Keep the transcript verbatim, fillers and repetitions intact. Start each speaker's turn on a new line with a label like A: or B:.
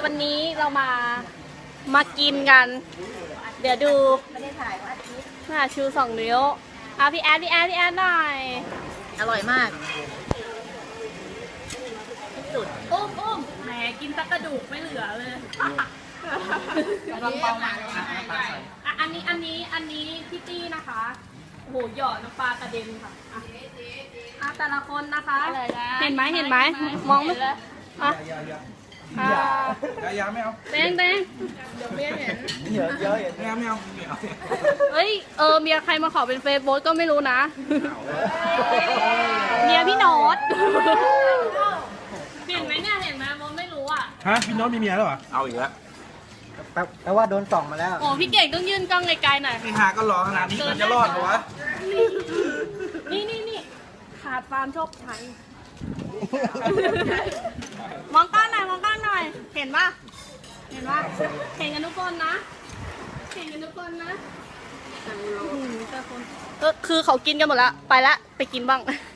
A: วันนี้เรามามากินกัน เดี๋ยวดูไม่ได้ถ่ายว่าน่าชูสองนิ้วอ่ะพี่แอดพี่แอดพี่แอดหน่อยอร่อยมากสุดอุ้มอุ้มแหมกินตะกระดูกไม่เหลือเลยกำลังเบาหนักอ่ะอันนี้อันนี้อันนี้พี่ตี้นะคะโอ้โหหยอดน้ำปลากระเด็นค่ะอ่ะอ่ะแต่ละคนนะคะ เห็นไหมเห็นไหมมองไม่อ่ะอ่ะ
B: ยาไม่เอา
A: เต้งเต้งเดี๋ยวเมียเห็น
B: เยอะเยอะไม่เอาไม่เอาไม่เอา
A: เฮ้ยเออเมียใครมาขอเป็นเฟซบุ๊กก็ไม่รู้นะเมียพี่โน้ตเห็นไหมเนี่ยเห็นไหมมดไม่รู้อ่ะ
B: ฮะพี่โน้ตมีเมียแล้วเหรอเอาอีกแล้ว
C: แปลว่าโดนส่องมาแล้ว
A: โอ้พี่เก่งต้องยื่นกล้องไกลๆหน่อย
B: นี่หาก็รอขนาดนี้มันจะรอดเหรอวะ
A: นี่นี่นี่ขาดฟาร์มโชคชัยมองก้านหน่อยมองก้านหน่อยเห็นปะเห็นปะเห็นกันทุกคนนะเห็นกันทุกคนนะอืมแต่คนก็คือเขากินกันหมดแล้วไปละไปกินบ้าง